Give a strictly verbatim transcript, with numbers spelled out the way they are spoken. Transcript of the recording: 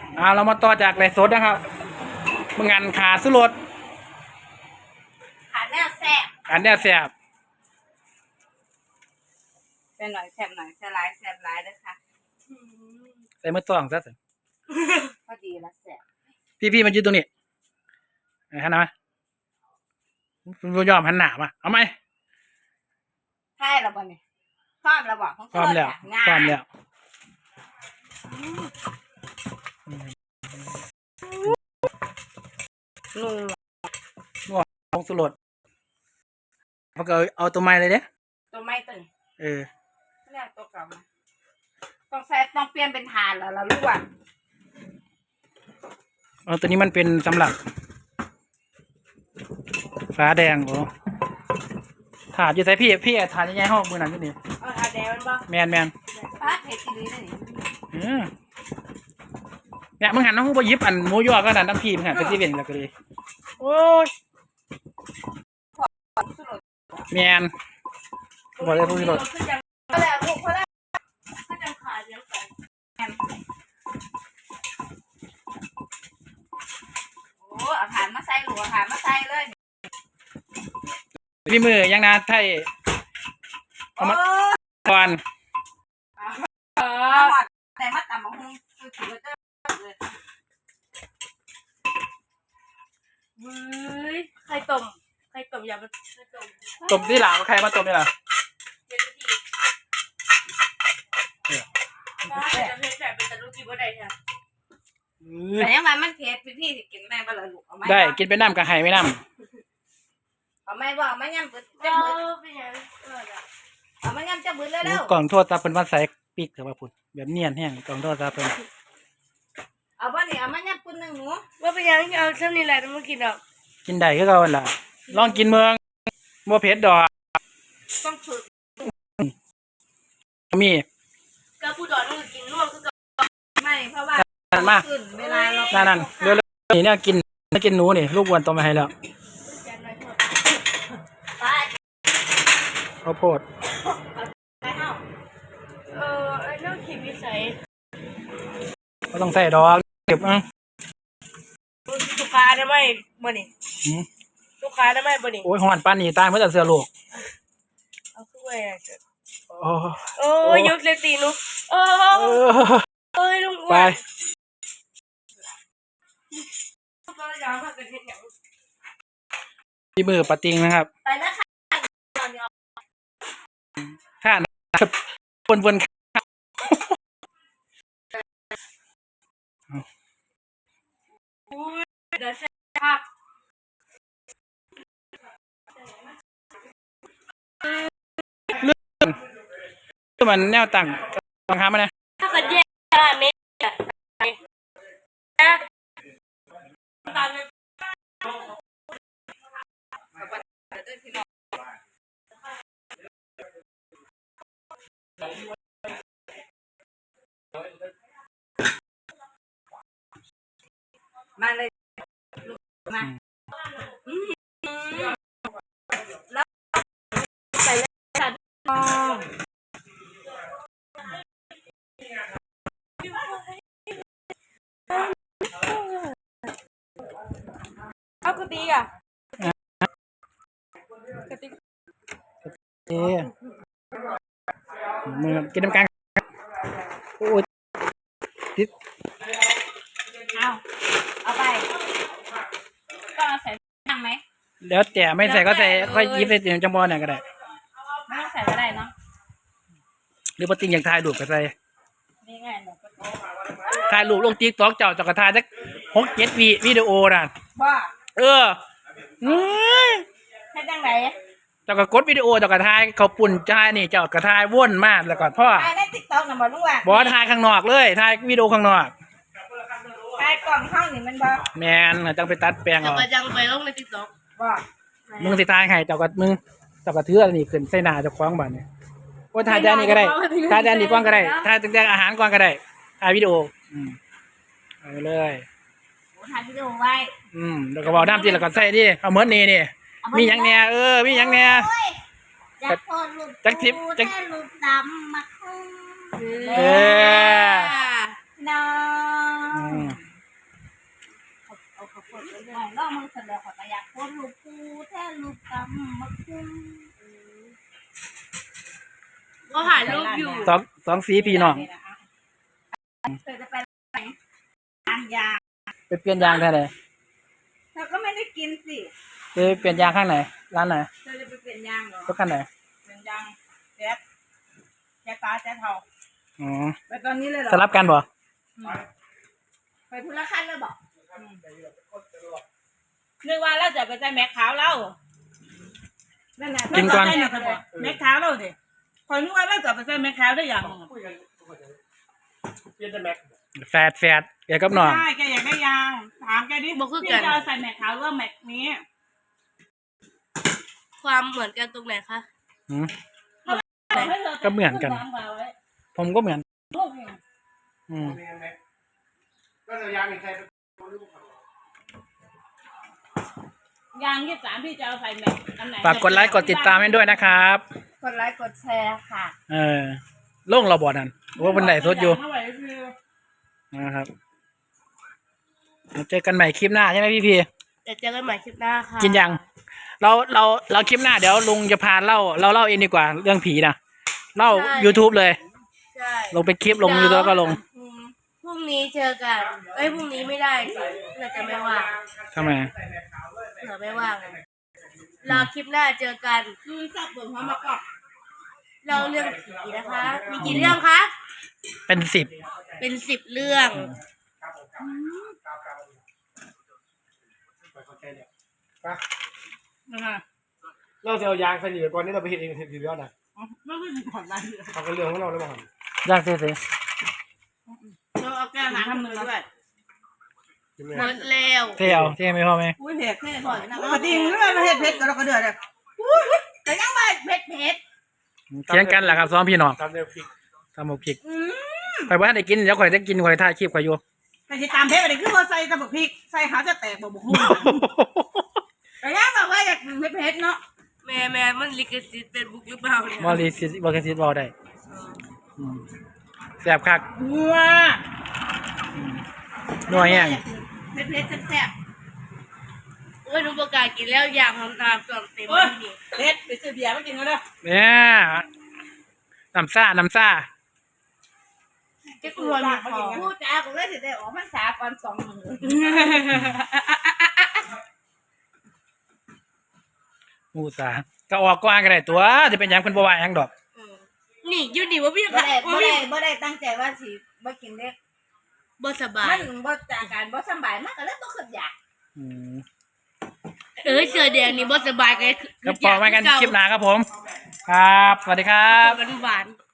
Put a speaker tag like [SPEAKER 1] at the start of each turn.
[SPEAKER 1] อ่าเรามาต่อจากไลฟ์สดนะครับเมื่องานขาสุรส
[SPEAKER 2] ขาแนวแซ่บ
[SPEAKER 1] อันเนี้ยแซ่บ
[SPEAKER 2] แซ่บหน่อยแซ่บหน่อยแซ่บหลายแซ่บหลายด้วยค่ะ
[SPEAKER 1] ใส่มือตวงซะสิ
[SPEAKER 2] พอดีละแซ่บ
[SPEAKER 1] พี่พี่มายืนตรงนี้หันหน้ามาคุณยอมหันหน้ามาเอาไหม
[SPEAKER 2] ใช่แล้วบ่เนี่ยพร้อมแล้วบ่
[SPEAKER 1] พร้อมแล้วพร้อมแล้ว
[SPEAKER 2] นุ่ม
[SPEAKER 1] นัวของสุรสเขาก็เอาตัวใหม่เลยเด้
[SPEAKER 2] ตัวไม้ตึง
[SPEAKER 1] เออ
[SPEAKER 2] ไม่ได้ตัวเก่ามาต้องใส่ต้องเปลี่ยนเป็นทานแล้วเรารู้ว่า
[SPEAKER 1] เอาตัวนี้มันเป็นสำหรับฟ้าแดงโอ้ถาดอยู่ใส่พี่พี่ถาดยังไงห้องมือหนังที่นี่
[SPEAKER 2] เอาทานแดงมันบ่
[SPEAKER 1] แมนแมน
[SPEAKER 2] ฟ้าเผ็ดดีเลย
[SPEAKER 1] นี่เนี่ยมึงหันน้องไปยิบอันหมูยอก็ดันน้ำพีมึงหันไปซีเว่นแล้วก็เลยโอ้ยแมนบอกเลยพูดรถ
[SPEAKER 2] พอแล้วพอแล้วถ้าจะขาดเดี๋ยวก่อนโอ้เอาฐานมาใส่หลัวฐานมาใส่เลย
[SPEAKER 1] พี่มือยังนะไทยเอามาก่อน
[SPEAKER 2] เออแต่มาตำบักหุ่งคือถือว่าจะเลยเว้ยไข่ต้มไข่ต้มยำไข่ต้ม
[SPEAKER 1] ต้มที่หลังใครมาต้มนี่ล่ะ
[SPEAKER 2] เป็นวิธีว่าจะเผ็ดแบบเป็นตะลุกินว่าได้ค่ะแต่ยังไงมันเผ็ดพี่พี่สิกินได้บ่ล่ะลูกเอาไหม
[SPEAKER 1] ได้กินเป็นน้ำกับไห่ไม่น้
[SPEAKER 2] ำเอาไหมบ่เอาไหมยำบึ้ดจะบึ้ดเป็นยังเอาไหมยำจะบึ้ดเลยแล้ว
[SPEAKER 1] กล่องโทษตาเป็นวันใส่ปีกเถอะว่าพุ่นแบบเนียนแห้งกล่องโทษตาเป็น
[SPEAKER 2] เอาบ่นี่เอาไหมยำปุ่นหนึ่งหนู
[SPEAKER 3] ว่าเป็นยังเอาเท่านี้แหละมากินอ่ะ
[SPEAKER 1] กินได้ก็เอาล่ะลองกินเมืองบัวเพชรดอก
[SPEAKER 2] ต้องฝึก
[SPEAKER 1] มี
[SPEAKER 3] กระปูดอนมันกินน่วมคือกับ
[SPEAKER 2] ไม่เพราะว่า
[SPEAKER 1] นั่นมา
[SPEAKER 2] เวลาเรา
[SPEAKER 1] นั่นนั่นเร็วๆนี่เนี่ยกินไม่กินหนูนี่ลูกวันต่อมาให้แล้วข้าวโพด
[SPEAKER 3] เออไอ้เรื่องขีดวิสัย
[SPEAKER 1] ก็ต้องใส่ดอกเก็บอ่ะ
[SPEAKER 3] ลูกค้าได้ไหมบ่นี่ลูกค้าได้ไหมบ่นี่
[SPEAKER 1] โอ้ยหอนปานนี่ตายเมื่อแต่เสือลูก
[SPEAKER 3] เอาขึ้นไป
[SPEAKER 1] โอ้
[SPEAKER 3] โอ้ยยุดเลยตีนุโอ้เอ้ยลุงอ้วน
[SPEAKER 1] พี่มือปะติงนะครับ
[SPEAKER 2] ไปแล้วค่ะ
[SPEAKER 1] ข้านะครับวนวน
[SPEAKER 3] เดี๋ยวเสร็จครับ
[SPEAKER 1] เรื่องมันแนวตั้งบังคับมันนะ
[SPEAKER 3] ถ้าเกิดแยกเม็ดอะตาม
[SPEAKER 2] มาเลยมาแล้วใส่เลยค่ะน้อง
[SPEAKER 3] เอากระติกอ่ะกระติก
[SPEAKER 1] เอ๊ะมือกินน้ำกันโอ้ยติด
[SPEAKER 2] เอาเอาไปก็ใส่ถังไหม
[SPEAKER 1] แล้วแต่ไม่ใส่ก็ใส่ค่อยยิบใส่ถุงจังบอลเนี่ยก็ได้
[SPEAKER 2] ไม่ต้องใส่ก็ได้เนาะ
[SPEAKER 1] หรือปะติงอย่างถ่ายรูปก็ใส่
[SPEAKER 2] นี่ไงหนูก็
[SPEAKER 1] ถ่ายรูปลงติ๊กต็อกเจ้าจะกระถ่ายสักหกเจ็ดวิวิดีโอน่ะ
[SPEAKER 2] ว่า
[SPEAKER 1] เออ
[SPEAKER 2] ให้จังไหน
[SPEAKER 1] เจ้าก็กดวิดีโอเจ้าก็ถ่ายเขาปุ่นถ่ายนี่เจ้าก็ถ่ายวนมากแล้วก็พ่อ
[SPEAKER 2] ถ่ายในติ๊กต็อกน่ะบ่รู้ว่า
[SPEAKER 1] บอถ่ายข้างนอกเลยถ่ายวิดีโอข้างนอก
[SPEAKER 2] ถ่ายกล่องห้องนี่มันบ่
[SPEAKER 1] แมนจังไปตัดแปลงเอา
[SPEAKER 3] จะยังไปลงในติ๊กต็อก
[SPEAKER 2] ว่า
[SPEAKER 1] มึงสิถ่ายให้เจ้าก็มึงเจ้าก็ถืออันนี้ขึ้นใส่หน้าเจ้าของบ้านนี่โอ้ถ่ายจานนี้ก็ได้ถ่ายจานนี้ก่อนก็ได้ถ่ายตั้งแต่อาหารก่อนก็ได้ถ่ายวิดีโออืมเอาเลย
[SPEAKER 2] โอ้ถ่ายวิดีโอไว้
[SPEAKER 1] อืมแล้วก็บอกน้ำจีแล้วก็ใส่ดิเอาเหมือนนี่นี่มีหยังแน่เออมีหยังแน่
[SPEAKER 2] จักโพดลูกจักทิพจักลูกดำมาคุ้ม
[SPEAKER 1] เออ
[SPEAKER 2] น้อ
[SPEAKER 1] อื
[SPEAKER 2] ง
[SPEAKER 1] ม
[SPEAKER 2] เอาข้าวโพดไปด้วยล่องมือเสร็จแล้วขอตะอยากโคตรลูกปูแท้ลูกตำมะคุ้งก็ถ่ายรูปอยู่
[SPEAKER 1] สองสองสีพี่น้อง
[SPEAKER 2] เธอจะไปไหนร้านยา
[SPEAKER 1] ไปเปลี่ยนยางแค่ไหน
[SPEAKER 2] เธอก็ไม่ได้กินสิ
[SPEAKER 1] จะไปเปลี่ยนยางข้างไหนร้านไหน
[SPEAKER 2] เธอจะไปเปลี่ยนยางเหรอ
[SPEAKER 1] รถคันไหน
[SPEAKER 3] เป็นยังแจ๊ดแจ๊ดฟ้าแจ๊ดเทา
[SPEAKER 1] อ๋อ
[SPEAKER 2] ไปตอนนี้เลยเหรอ
[SPEAKER 1] สลับกันบ่
[SPEAKER 2] ไปทุรคันเลยบอก
[SPEAKER 3] นึกว่าเราจะไปใส่แม็กขาวเรา
[SPEAKER 2] นั่นแหละ
[SPEAKER 1] กินก่อน
[SPEAKER 3] แม็กขาวเราดิคอยนึกว่าเราจะไปใส่แม็กขาวได้อย่าง
[SPEAKER 1] แฟดแฟดเดี๋ยวกับน้อง
[SPEAKER 3] ใช่แกอยากได้ยางถามแกดิพี่จะเอาใส่แม็กขาวหรือว่าแม็กนี้
[SPEAKER 2] ความเหมือนกันตรงไหนคะ
[SPEAKER 1] อืม ก็เหมือนกัน ผมก็เหมือน อืม
[SPEAKER 3] ยางยี่สามพี่จะเอาใส่แม็กอันไหน
[SPEAKER 1] ฝากกดไลค์กดติดตามให้ด้วยนะครับ
[SPEAKER 2] กดไลค์กดแชร์ค่ะ
[SPEAKER 1] เออโล่งเราบอดนั่นว่าเป็นไหนสดอยู่
[SPEAKER 3] เท่าไหร่คือ
[SPEAKER 1] นะครับเราเจอกันใหม่คลิปหน้าใช่ไหมพี่พี
[SPEAKER 2] เดี๋ยวเจอกันใหม่คลิปหน้าค่ะ
[SPEAKER 1] กินยัง เราเราเราคลิปหน้าเดี๋ยวลุงจะพาเล่าเราเล่าเองดีกว่าเรื่องผีนะเล่า YouTube เลย
[SPEAKER 2] ใช่
[SPEAKER 1] ลงเป็นคลิปลง YouTube แล้วก็ลง
[SPEAKER 2] อืมพรุ่งนี้เจอกัน เอ้ยพรุ่งนี้ไม่ได้สิเราจะไม่ว่าง
[SPEAKER 1] ทำไม
[SPEAKER 2] เผื่อไม่ว่างไงรอคลิปหน้าเจอกัน
[SPEAKER 3] คือจับเปิดพร้อมมาก่อน
[SPEAKER 2] เราเรื่องผีนะคะ มีกี่เรื่องคะ
[SPEAKER 1] เป็นสิบ
[SPEAKER 2] เป็นสิบเรื่อง
[SPEAKER 3] นะคะ
[SPEAKER 4] เราจะเอายางใส่หนีก่อนนี่เราไปเห็นเองเห็นทีเดียวนะ
[SPEAKER 3] ไม่ไม่ถึงก่อนได้
[SPEAKER 4] เขาก็เรื่องของเราแล้วมั้ง
[SPEAKER 1] ยากสิสิ
[SPEAKER 3] เราเอาแก้วน้ำทำมือด้วย
[SPEAKER 4] ใช่ไหม
[SPEAKER 2] หมดแล้ว
[SPEAKER 1] เที่ยวเที่ยวไม่พอไหม
[SPEAKER 3] อุ้ยเผ็ดเผ็ดก่อนปกติเรื่องเผ็ดเผ็ดเราก็เดือดเลย
[SPEAKER 2] แต่ยังไม่เผ็ดเผ็ด
[SPEAKER 1] เที่ยงกันแหละครับซ้อมพี่น้อง
[SPEAKER 4] ตามแนวพริก
[SPEAKER 1] ทำหมกพริกไปว่าได้กินเดี๋ยวข่อยได้กินข่อยถ่ายคลิปข่อยอยู่
[SPEAKER 3] แต่ที่ตามเผ็ดอะไรคือว่าใส่ตะบกพริกใส่ขาจะแตกบอกบุกหุ่นแต่ยังบอกว่าอยากเผ็ดเผ็ดเนาะ
[SPEAKER 2] แม่แม่มันลิขสิทธิ์เป็นบุกหรือเปล่าเนี่ย
[SPEAKER 1] มอลิซิสบอลซิสบอลได้อืมแซ่บคัก
[SPEAKER 3] นัว
[SPEAKER 1] นัวแห้ง
[SPEAKER 2] เผ็ดเผ็ดแซ่บๆโอ้ยหนูประกาศกินแล้วอยากทำตามส่วนเต็ม
[SPEAKER 3] โอ้ย
[SPEAKER 2] ที่นี่
[SPEAKER 3] เผ็ดไปซื้อเบียร์มากินกันเลย
[SPEAKER 1] เนี่ยน้ำซ่าน้ำซ่า
[SPEAKER 2] จะกลัวมีของพูดจ้าผมเลยจะได้ออกพรรษาก่อนสองมือ
[SPEAKER 1] หมูสาก็ออกกว้างก็ได้ตัวจะเป็นหยังเป็นบัวาหยังดอก
[SPEAKER 2] นี่อยู่ดีว่าพี่
[SPEAKER 5] บ่ได้
[SPEAKER 2] บ่
[SPEAKER 5] บ่
[SPEAKER 2] ได้
[SPEAKER 5] ได้บ่ได้ตั้งใจว่าสิบ่กินเด้
[SPEAKER 2] บ่สบาย
[SPEAKER 5] มันบ่จากการบ่สำบายมันก็เลยบ่คิดอยาก
[SPEAKER 1] อืม
[SPEAKER 2] เออเจอเดี๋ยวนี้บ่สบายไง
[SPEAKER 1] ก็พอไว้กันคลิปหน้าครับผม ครับ สวัสดีครับ
[SPEAKER 2] หวานหวานๆ